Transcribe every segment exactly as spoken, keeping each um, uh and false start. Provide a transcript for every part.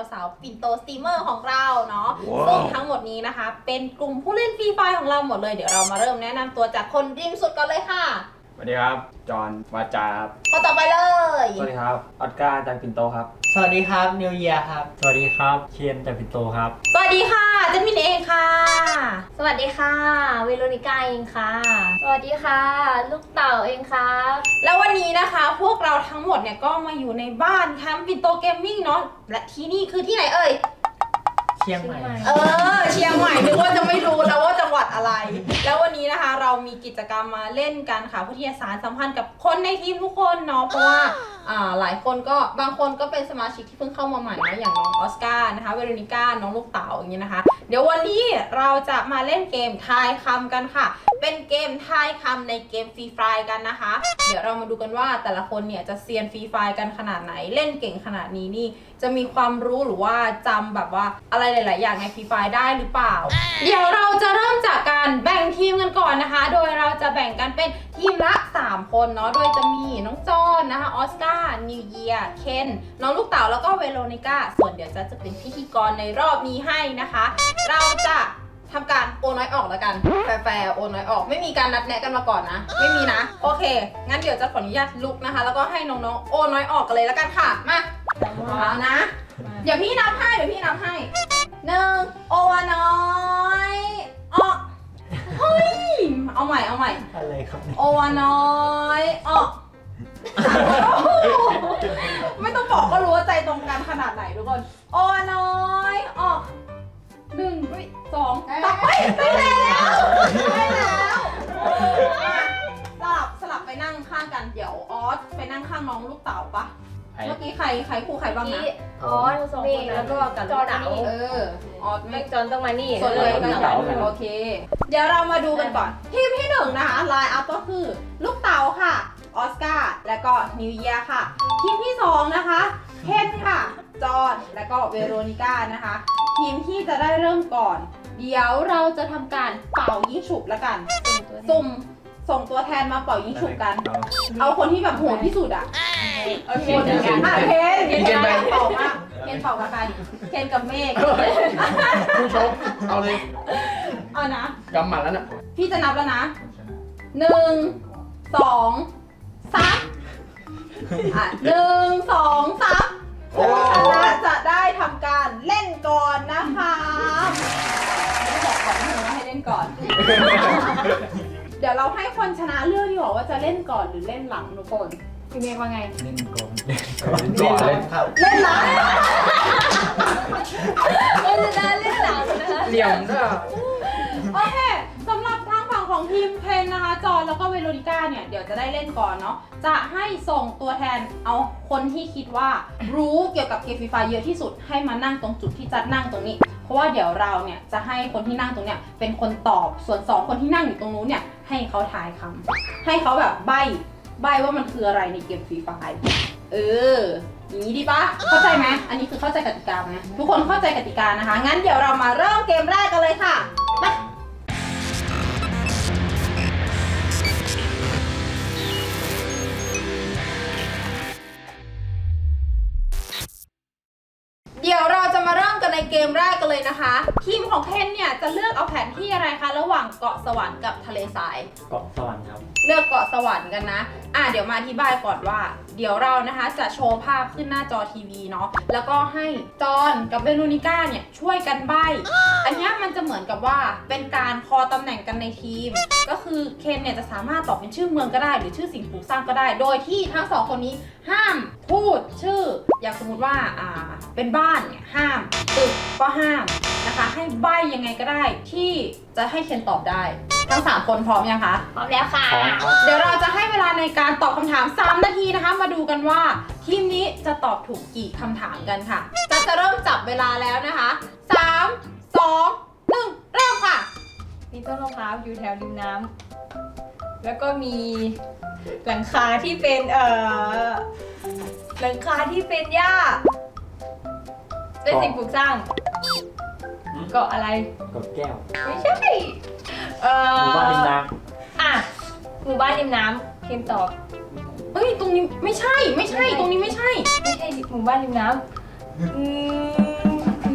สาวๆปิ่นโตสตรีมเมอร์ของเราเนาะ wow. ซึ่งทั้งหมดนี้นะคะเป็นกลุ่มผู้เล่นฟรีไฟของเราหมดเลยเดี๋ยวเรามาเริ่มแนะนำตัวจากคนริมสุดกันเลยค่ะสวัสดีครับจอห์นวาจาครับคนต่อไปเลยสวัสดีครับออสการ์จากปิ่นโตครับสวัสดีครับนิวเยียครับสวัสดีครับเคนจากปิ่นโตครับสวัสดีค่ะเจนมินเองค่ะสวัสดีค่ะเวโรนิก้าเองค่ะสวัสดีค่ะลูกเต่าเองค่ะแล้ววันนี้นะคะพวกเราทั้งหมดเนี่ยก็มาอยู่ในบ้านแคมป์ปิ่นโตเกมมิ่งเนาะและที่นี่คือที่ไหนเอ่ยเชียงใหม่เออเชียงใหม่นึกว่าจะไม่รู้แล้วว่าจังหวัดอะไรแล้ววันนี้นะคะเรามีกิจกรรมมาเล่นกันค่ะเพื่อที่จะสานสัมพันธ์กับคนในทีมทุกคนเนาะเพราะว่าอ่าหลายคนก็บางคนก็เป็นสมาชิกที่เพิ่งเข้ามาใหม่นะอย่างน้องออสการ์นะคะเวโรนิก้าน้องลูกเต๋าอย่างเงี้ยนะคะเดี๋ยววันนี้เราจะมาเล่นเกมทายคำกันค่ะเป็นเกมทายคำในเกมฟรีไฟกันนะคะเดี๋ยวเรามาดูกันว่าแต่ละคนเนี่ยจะเซียนฟรีไฟกันขนาดไหนเล่นเก่งขนาดนี้นี่จะมีความรู้หรือว่าจำแบบว่าอะไรหลายๆอย่างในฟรีไฟได้หรือเปล่าเดี๋ยวเราจะเริ่มจากการแบ่งทีมกันก่อนนะคะโดยเราจะแบ่งกันเป็นทีมละสามคนเนาะโดยจะมีน้องจอนนะคะออสการ์นิวเยียเคนน้องลูกเต๋าแล้วก็เวโรนิก้าส่วนเดี๋ยวจะจะเป็นพิธีกรในรอบนี้ให้นะคะเราจะทำการโอนน้อยออกแล้วกันแฟร์ๆโอนน้อยออกไม่มีการนัดแนะกันมาก่อนนะไม่มีนะโอเคงั้นเดี๋ยวจะขออนุญาตลุกนะคะแล้วก็ให้น้องๆโอนน้อยออกกันเลยแล้วกันค่ะมาเอานะเดี๋ยวพี่นับให้เดี๋ยวพี่นับให้หนึ่งโอวาน้อยออกเฮ้ยเอาใหม่เอาใหม่อะไรครับโอวาน้อยออกไม่ต้องบอกก็รู้ว่าใจตรงกันขนาดไหนทุกคนโอวาน้อยออกหนึ่งสองสามไปได้แล้วได้แล้วสลับสลับไปนั่งข้างกันเดี๋ยวออสไปนั่งข้างน้องลูกเต๋าปะเมื่อกี้ใครใครคู่ใครบ้างนะออสสองคนแล้วก็กับลูกเต๋าเออออสไม่จอนต้องมานี่ส่วนเลยกันเต๋าโอเคเดี๋ยวเรามาดูกันก่อนทีมที่หนึ่งนะคะไลน์อัพก็คือลูกเต๋าค่ะออสการ์และก็นิวเยียค่ะทีมที่สองนะคะเคนค่ะจอห์นและก็เวโรนิก้านะคะทีมที่จะได้เริ่มก่อนเดี๋ยวเราจะทำการเป่ายิงฉุบแล้วกันสุ่มส่งตัวแทนมาเป่ายิงฉุบกันเอาคนที่แบบโหดที่สุดอ่ะโอเคเดี๋ยวกันเคนเคนเป่ามากเคนเป่ากับใครเคนกับเมฆผู้ชมเอาเลยเอานะกำหมัดแล้วน่ะพี่จะนับแล้วนะหนึ่งสองสามอ่ะหนึ่งสองสามผู้ชนะจะได้ทำการเล่นก่อนนะคะไม่บอกก่อนนะว่าให้เล่นก่อน เดี๋ยวเราให้คนชนะเลือกดีกว่าว่าจะเล่นก่อนหรือเล่นหลังทุกคนพี่เมฆว่าไงเล่นก่อนเล่นก่อนเล่นครับเล่นหลังเราจะได้เล่นหลังนะคะเหลี่ยมด้วยโอเคสำหรับทางฝั่งของทีมเพนนะคะจอห์นแล้วก็เวโรนิก้าเนี่ยเดี๋ยวจะได้เล่นก่อนเนาะจะให้ส่งตัวแทนเอาคนที่คิดว่ารู้เกี่ยวกับเกมฟรีไฟเยอะที่สุดให้มานั่งตรงจุดที่จัดนั่งตรงนี้เพราะว่าเดี๋ยวเราเนี่ยจะให้คนที่นั่งตรงเนี้ยเป็นคนตอบส่วนสองคนที่นั่งอยู่ตรงนู้นเนี่ยให้เขาทายคำให้เขาแบบใบ้ใบ้ว่ามันคืออะไรในเกมฟรีไฟเอออย่างนี้ดีปะเข้าใจไหมอันนี้คือเข้าใจกติกาไหมทุกคนเข้าใจกติกานะคะงั้นเดี๋ยวเรามาเริ่มเกมแรกกันเลยค่ะไปเดี๋ยวเราจะมาเริ่มกันในเกมแรกกันเลยนะคะทีมของเคนเนี่ยจะเลือกเอาแผนที่อะไรคะระหว่างเกาะสวรรค์กับทะเลทรายเกาะสวรรค์ครับเลือกเกาะสวรรค์กันนะอ่ะเดี๋ยวมาอธิบายก่อนว่าเดี๋ยวเรานะคะจะโชว์ภาพขึ้นหน้าจอทีวีเนาะแล้วก็ให้จอห์นกับเวโรนิก้าเนี่ยช่วยกันใบ้อันนี้มันจะเหมือนกับว่าเป็นการคอตำแหน่งกันในทีมก็คือเคนเนี่ยจะสามารถตอบเป็นชื่อเมืองก็ได้หรือชื่อสิ่งปลูกสร้างก็ได้โดยที่ทั้งสองคนนี้ห้ามพูดชื่ออย่างสมมุติว่าอ่าเป็นบ้านเนี่ยห้ามตึกก็ห้ามนะคะให้ใบ้ยังไงก็ได้ที่จะให้เคนตอบได้ทั้งสามคนพร้อมยังคะพร้อมแล้วค่ะเดี๋ยวเราจะให้เวลาในการตอบคำถามสามนาทีนะคะมาดูกันว่าทีมนี้จะตอบถูกกี่คำถามกันค่ะจะจะเริ่มจับเวลาแล้วนะคะสาม สอง หนึ่งเริ่มค่ะมีต้นมะพร้าวอยู่แถวริมน้ำแล้วก็มีหลังคาที่เป็นเอ่อหลังคาที่เป็นหญ้าเป็นสิ่งปลูกสร้างเกาะอะไรเกาะแก้วไม่ใช่เอ่อหมู่บ้านริมน้ำอ่ะหมู่บ้านริมน้ำเค็มตอบเอ้ยตรงนี้ไม่ใช่ไม่ใช่ตรงนี้ไม่ใช่ไม่ใช่หมู่บ้านริมน้ำอืม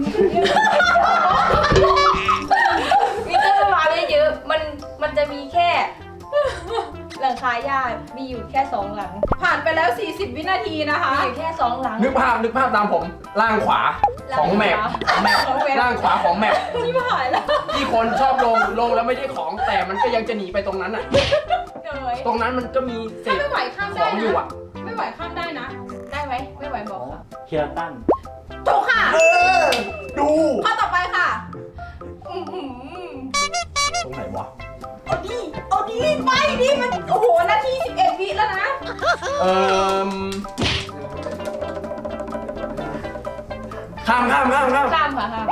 มีต้นมะพร้าวเยอะๆมันมันจะมีแค่หลังคาหญ้ามีอยู่แค่สองหลังผ่านไปแล้ว สี่สิบ วินาทีนะคะมีอยู่แค่สองหลังนึกภาพนึกภาพตามผมล่างขวาของแมปของแมปของแมปล่างขวาของแมปนี่ผ่านแล้วที่คนชอบลงลงแล้วไม่ได้ของแต่มันก็ยังจะหนีไปตรงนั้นอ่ะเลยตรงนั้นมันก็มีเศถ้าษไม่ไหวข้ามขได้องอยู่นะอ่ะไม่ไหวข้ามได้นะได้ไหมไม่ไหวบอกค่ะเคียร์ตันถูกค่ะเออ ดูข้อต่อไปค่ะอื้อหือตรงไหนวะเอาดิเอาดิไปดิมันโอ้โหนาทีสิบเอ็ดวิแล้วนะเอ่อข้ามข้ามข้ามข้ามข้ามค่ะข้าม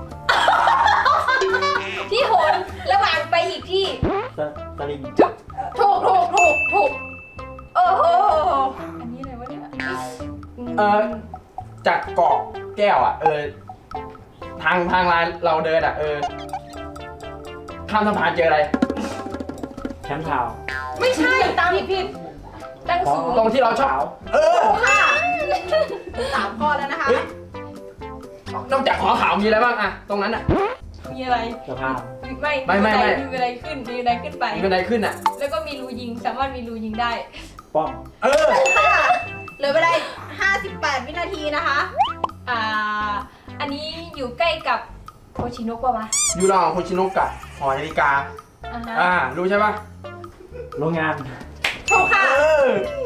ที่โหนระหว่างไปอีกที่สสลิงถูกถูกถูกถูกโอ้โหอันนี้อะไรวะเนี่ยเออจากเกาะแก้วอ่ะ เออ ทางทางลายเราเดินอ่ะ เออ ข้ามสะพานเจออะไรแชมป์ทาวน์ไม่ใช่ตามผิดผิดตั้งสูงตรงที่เราชอบ เออถูกค่ะสามข้อแล้วนะคะเฮ้ย นอกจากขอขาวมีอะไรบ้างอะตรงนั้นอะมีอะไรสะพานไม่ไม่ไม่ไม่มีอะไรขึ้นมีอะไรขึ้นไปมีบันไดขึ้นอะแล้วก็มีรูยิงสามารถมีรูยิงได้ป้อมเออค่ะเหลือเวลาอีกห้าสิบแปด วินาทีนะคะอ่า อันนี้อยู่ใกล้กับโคชิโนะปะวะยูรองโคชิโนกะหอนาฬิกาอ่าฮะอ่า รู้ใช่ปะโรงงานถูกค่ะเออ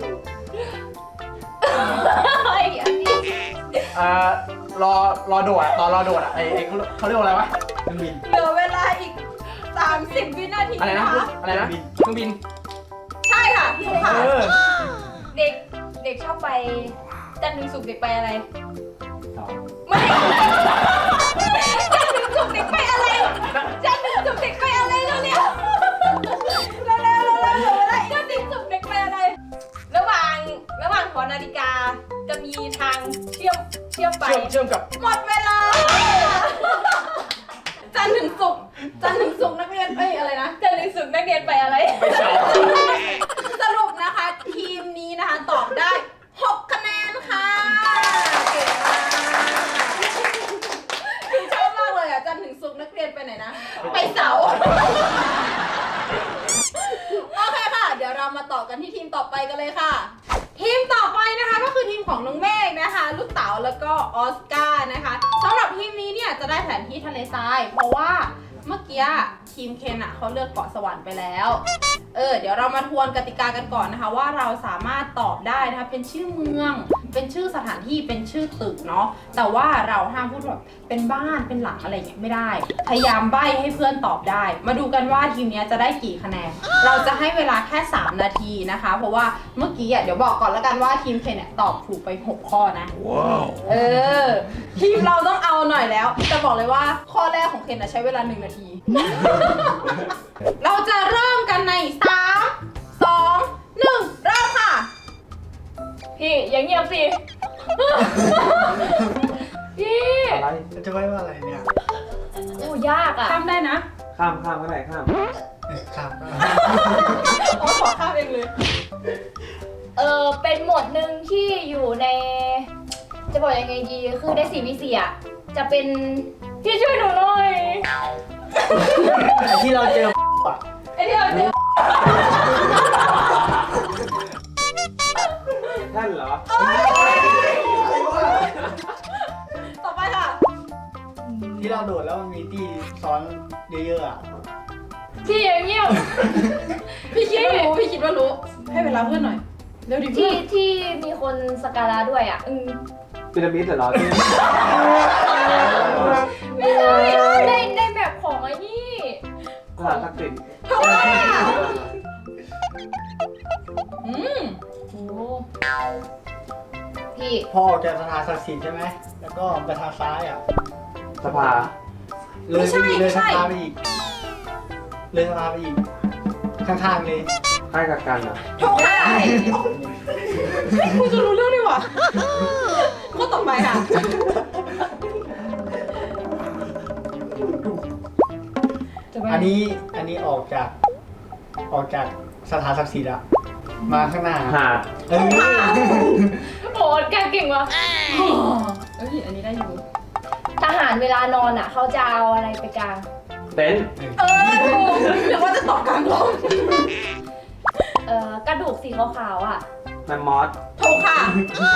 เฮ้ยอันนี้เอ่อ รอ รอโดดอะตอนรอโดดอะไอไอเขาเขาเรียกว่าอะไรวะเครื่องบินเหลือเวลาอีกสามสิบ วินาทีอะไรนะนะคะอะไรนะ เครื่องบินใช่ค่ะถูกค่ะเออเด็กเด็กชอบไปจันทร์ถึงศุกร์เด็กไปอะไรสองไม่จันทร์ถึงศุกร์เด็กไปอะไรจันทร์ถึงศุกร์เด็กไปอะไรแล้วเนี่ยเร็วเร็วเร็วเร็วเร็วอะไรจันทร์ถึงศุกร์เด็กไปอะไร ระหว่างระหว่างหอนาฬิกาจะมีทางเชื่อมเชื่อมไปเชื่อมเชื่อมกับหมดเวลา จันทร์ถึงศุกร์จันทร์ถึงศุกร์นักเรียนเอ้ยอะไรนะจันทร์ถึงศุกร์นักเรียนไปอะไรไปเฉาสรุปนะคะ ทีมนี้นะคะตอบได้หกคะแนนค่ะเก่งมากคือชอบมากเลยอ่ะจันทร์ถึงศุกร์นักเรียนไปไหนนะ ไปเสาร์โอเคค่ะ เดี๋ยวเรามาต่อกันที่ทีมต่อไปกันเลยค่ะ ทีมต่อไปนะคะก็คือทีมของน้องเมฆนะคะ ลูกเต๋าแล้วก็ออสการ์นะคะสำหรับทีมนี้เนี่ยจะได้แผนที่ทะเลทราย เพราะว่าเมื่อกี้ทีมเคนอะเขาเลือกเกาะสวรรค์ไปแล้ว เออเดี๋ยวเรามาทวนกติกากันก่อนนะคะ ว่าเราสามารถตอบได้นะคะเป็นชื่อเมือง เป็นชื่อสถานที่เป็นชื่อตึกเนาะแต่ว่าเราห้ามพูดแบบเป็นบ้านเป็นหลังอะไรอย่างเงี้ยไม่ได้ พยายามใบ้ให้เพื่อนตอบได้ มาดูกันว่าทีมเนี้ยจะได้กี่คะแนนเราจะให้เวลาแค่สามนาทีนะคะ เพราะว่าเมื่อกี้อ่ะเดี๋ยวบอกก่อนแล้วกันว่าทีมเคนเนี่ยตอบถูกไปหกข้อนะว้าวเออทีมเราต้องเอาหน่อยแล้วจะบอกเลยว่าข้อแรกของเคนอะใช้เวลาหนึ่งนาที เราจะเริ่มกันในสามสองหนึ่งเริ่มค่ะพี่อย่างเงียบสิ พี่อะไรจะไว้ว่าอะไรเนี่ยโอ้ยากอ่ะข้ามได้นะข้ามข้ามก็ได้ข้ามครับโอ้ขอข้ามเองเลยเออเป็นหมวดหนึ่งที่อยู่ใน จะบอกยังไงดีคือในสี่วิเศษจะเป็นพี่ช่วยหนูหน่อยไอ้ที่เราเจอปะไอ้ที่เราเจอท่านเหรอต่อไปค่ะที่เราโดดแล้วมันมีที่ซ้อนเยอะๆอ่ะพี่อย่างเงียบพี่คิดว่ารู้พี่คิดว่ารู้ให้เวลาเพื่อนหน่อยเร็วดิเพื่ที่อนที่มีคนสกการะด้วยอ่ะอืมพีระมิดเหรอที่ไม่ใช่ในในแบบของไอ้นี่สถานทักษิณถูกค่ะอืมโอ้พี่พอออกจากสถานศักดิ์สิทธิ์ใช่ไหม แล้วก็ไปทางซ้ายอ่ะสภาเลยไปอีกเลยสภาไปอีก เลยสภาไปอีก ข้างๆเลยค่ายกักกันเหรอถูกค่ะเฮ้ยคุณจะรู้เรื่องดีว่ะข้อต่อไปค่ะอันนี้อันนี้ออกจากออกจากสถานศักดิ์สิทธิ์อะมาข้างหน้าหาดเออโอ้แกเก่งว่ะเอ้ยอันนี้ได้อยู่ทหารเวลานอนอ่ะเขาจะเอาอะไรไปกลางเต็นท์เออถูกหรือว่าจะตอบกลางลมเอ่อกระดูกสีขาวๆอ่ะแมมมอสถูกค่ะ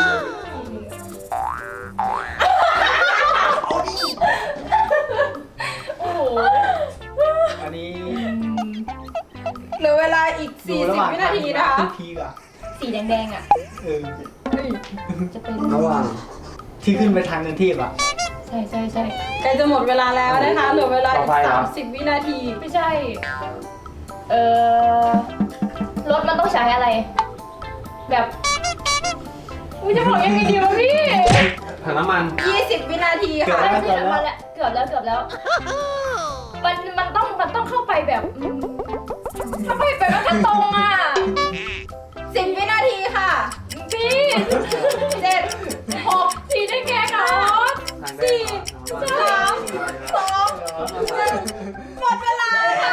โอ้โหอันนี้เหลือเวลาอีกดูสี่ระสิหบว่างวินาทีนะคะที่พีกอะสีแดงๆอ่ะเออจะเป็นระหว่างที่ขึ้นไปทางเงินที่อะใช่ใช่ใช่ใกล้จะหมดเวลาแล้วนะคะ เหลือเวลาอีกสามสิบวินาทีไม่ใช่ เอ่อรถมันต้องใช้อะไร แบบอุ้ยจะบอกยังไงดีวะพี่ถังน้ำมันยี่สิบวินาทีค่ะใช่ใช่มาแล้วเกือบแล้วเกือบแล้ว มันมันต้องมันต้องเข้าไปแบบอืมถ้าไปไปมันก็ตรงอ่ะสิบวินาทีค่ะพี่เจ็ดหกสีได้แก่เหรอทางแดสี่งสามสองหนึ่งหมดเวลาค่ะ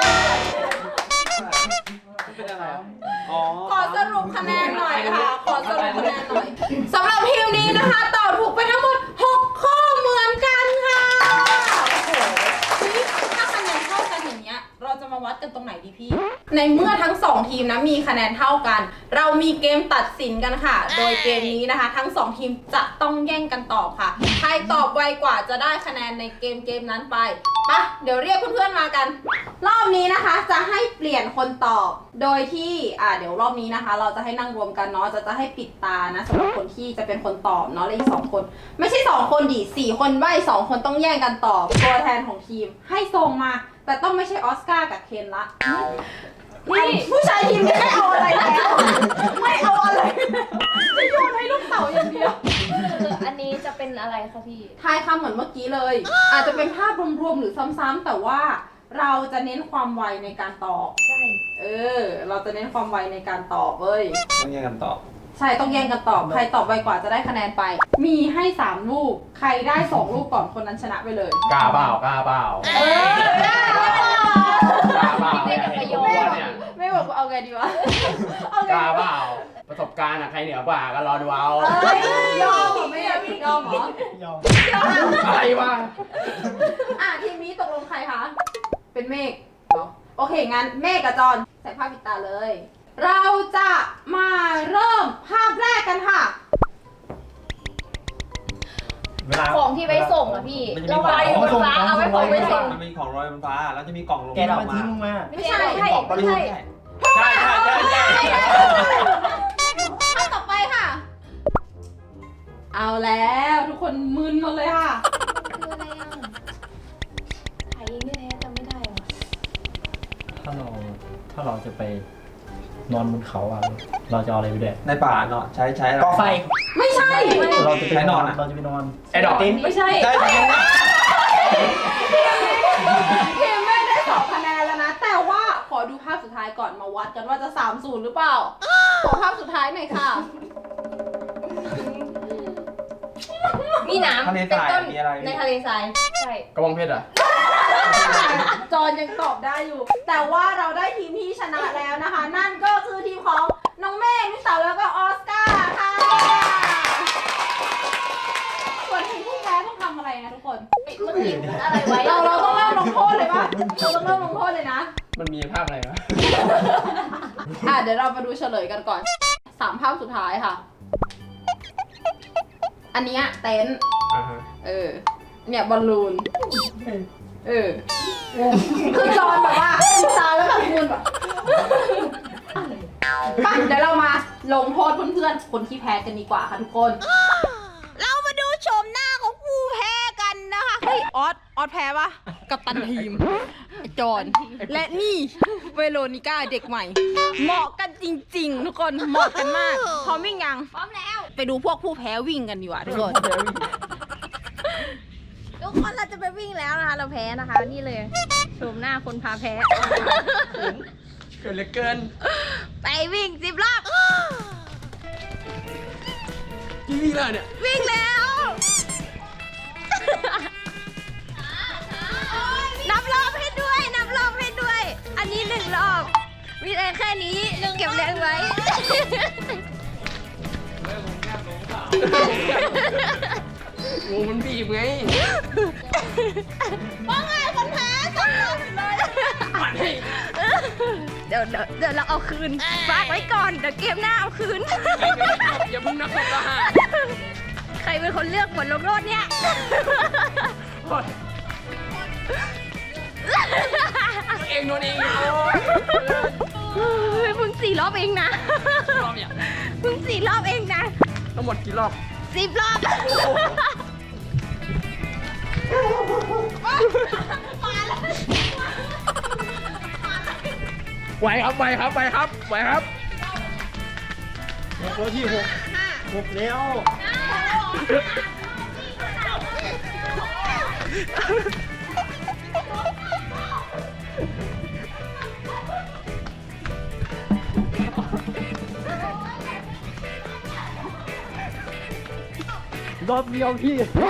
เป็นอะไรอ๋อขอสรุปคะแนนหน่อยค่ะ ขอสรุปคะแนนหน่อยสำหรับทีมนี้นะคะตอบถูกไปทั้งหมดหกข้อเหมือนกันค่ะโอ้โหถ้าคะแนนเท่ากันอย่างเงี้ยเราจะมาวัดกันตรงไหนดีพี่ ในเมื่อทั้งสองทีมนะมีคะแนนเท่ากัน เรามีเกมตัดสินกันค่ะ โดยเกมนี้นะคะ ทั้งสองทีมจะต้องแย่งกันตอบค่ะ ใครตอบไวกว่าจะได้คะแนนในเกมเกมนั้นไปปะเดี๋ยวเรียกเพื่อนๆมากัน รอบนี้นะคะจะให้เปลี่ยนคนตอบ โดยที่อ่าเดี๋ยวรอบนี้นะคะ เราจะให้นั่งรวมกันเนาะจะจะให้ปิดตานะสำหรับคนที่จะเป็นคนตอบเนาะและอีกสองคน ไม่ใช่สองคนดิสี่คนใบ้สองคนต้องแย่งกันตอบ ตัวแทนของทีมให้ส่งมา แต่ต้องไม่ใช่ออสการ์กับเคนละนี่ผู้ชายทีมนี้ไม่เอาอะไรแล้ว ไม่เอาอะไรจะโยนให้ลูกเต๋าอย่างเดียวคืออันนี้จะเป็นอะไรคะพี่ทายคำเหมือนเมื่อกี้เลย อาจจะเป็นภาพรวมๆหรือซ้ำๆแต่ว่าเราจะเน้นความไวในการตอบใช่เออ เราจะเน้นความไวในการตอบเว้ยต้องแย่งกันตอบใช่ต้องแย่งกันตอบ ใครตอบไวกว่าจะได้คะแนนไป มีให้สามลูก ใครได้สองลูกก่อนคนนั้นชนะไปเลยกล้าเปล่ากล้าเปล่าเออได้กล้าเปล่าไม่เนี่ยได้ประโยเห็นชน์ตัวเนี่ยไม่บอกเอาไงดีวะ เอาไงกล้าดีเปวะล่าประสบการณ์อะใครเหนือกว่าก็รอดูเอาเอ้ยยอมเหรอไม่อยากยอมเหรอยอมยอมอะไรวะอ่ะทีมนี้ตกลงใครคะ เป็นเมฆเหรอ โอเค งั้นเมฆกับจอนใส่ผ้าปิดตาเลย เราจะมาเริ่มภาพแรกกันค่ะเวลาของที่ไว้ส่งอะพี่มันจะมีเราไว้บนฟ้าของเอาไว้ของไว้ส่งมันมีของลอยบนฟ้า แล้วจะมีกล่องลงแกเอามาทิ้งลงมาไม่ใช่ไม่ใช่ไม่ใช่ใช่ใช่ใช่ใช่ภาพต่อไปค่ะ เอาแล้วทุกคนมึนหมดเลยค่ะคืออะไรอ่ะไอ้นี่แท้จำไม่ได้ว่ะถ้าเราถ้าเราจะไปนอนบนเขาอะเราจะเอาอะไรไปด้วยในป่าเนาะใช้ใช้อะไรก่อไฟไม่ใช่เราจะไปใช้นอนอะเราจะไปนอนไอ้ดอกติ้นไม่ใช่ใช่ใช่ทีมเมฆได้สองคะแนนแล้วนะ แต่ว่าขอดูภาพสุดท้ายก่อนมาวัดกันว่าจะสามศูนย์หรือเปล่า ขอภาพสุดท้ายหน่อยค่ะมีน้ำทะเลทรายเป็นต้นมีอะไรในทะเลทรายใช่กระบองเพชรอะจอนยังตอบได้อยู่ แต่ว่าเราได้ทีมที่ชนะแล้วนะคะ นั่นก็คือทีมของน้องเมฆนิสาวแล้วก็ออสการ์ค่ะ ส่วนทีมผู้แพ้ต้องทำอะไรนะทุกคนเมื่อกี้อะไรไว้เราเราต้องเริ่มลงโทษเลยปะเราต้องเริ่มลงโทษเลยนะมันมีภาพอะไรวะอ่ะเดี๋ยวเรามาดูเฉลยกันก่อนสามภาพสุดท้ายค่ะ อันเนี้ยเต็นท์อ่าฮะเออ เนี่ยบอลลูน เออ คือจอนแบบว่าตาแล้วแบบมูนแบบไปเดี๋ยวเรามาลงโทษเพื่อนๆ คนที่แพ้กันดีกว่าค่ะทุกคน เรามาดูโฉมหน้าของผู้แพ้กันนะคะ เฮ้ย ออส ออสแพ้ปะกับตันทีม จอน และนี่เวโรนิก้าเด็กใหม่ เหมาะกันจริงๆ ทุกคน เหมาะกันมาก พร้อมวิ่งยังพร้อมแล้วไปดูพวกผู้แพ้วิ่งกันดีกว่าทุกคนทุกคนเราจะไปวิ่งแล้วนะคะ เราแพ้นะคะ นี่เลยโฉมหน้าคนพาแพ้เกินเหลือเกินไปวิ่งสิบรอบกี่วิแล้วเนี่ยวิ่งแล้ว นับรอบให้ด้วย นับรอบให้ด้วย อันนี้หนึ่งรอบมีแรงแค่นี้เก็บแรงไว้ทงูมันบีบไงว่าไงคนแพ้สองรอบเลย เดี๋ยวเดี๋ยวเดี๋ยวเราเอาคืนฝากไว้ก่อน เดี๋ยวเกมหน้าเอาคืนอย่าเพิ่งนักทหารใครเป็นคนเลือกบทลงโทษเนี่ยเองโดนเองเฮ้ยมึงสี่รอบเองนะรอบอย่างมึงสี่รอบเองนะทั้งหมดกี่รอบสิบรอบไหวครับไหวครับไหวครับไหวครับตัวที่หกหกแล้วรอบเดียวพี่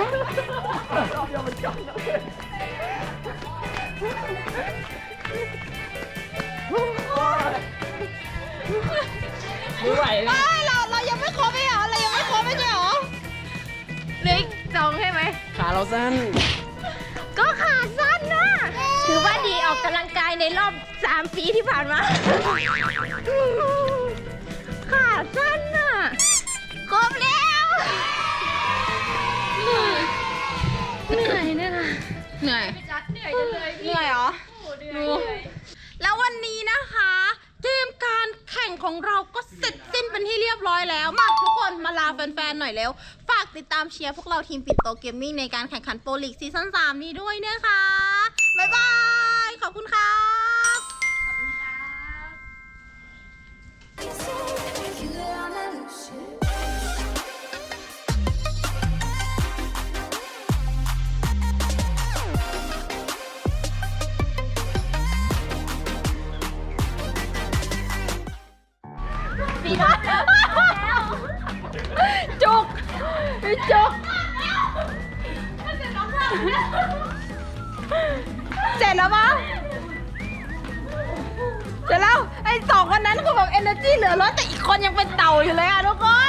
ไม่ไหวเลยเราเรายังไม่ครบไม่เหรอเรายังไม่ครบไม่ใช่เหรอเหลืออีกสองใช่ไหมขาเราสั้นก็ขาสั้นนะ ถือว่าดีออกกำลังกายในรอบสามปีที่ผ่านมา ขาสั้นน่ะครบแล้วเหนื่อยเหนื่อยเนี่ยนะเหนื่อยเหนื่อยจังเลยเหนื่อยเหรอดูแล้ววันนี้นะคะ เกมการแข่งของเราก็เสร็จสิ้นเป็นที่เรียบร้อยแล้ว มาทุกคนมาลาแฟนๆหน่อยแล้ว ฝากติดตามเชียร์พวกเราทีมปิดโตเกมมิ่งในการแข่งขันโปรลีกซีซั่นสามนี้ด้วยนะคะ บ๊ายบาย ขอบคุณครับจุกจุกเสร็จแล้วปะเสร็จแล้วไอ้สองคนนั้นคือแบบเอเนอร์จีเหลือล้นแต่อีกคนยังเป็นเต่าอยู่เลยอะทุกคน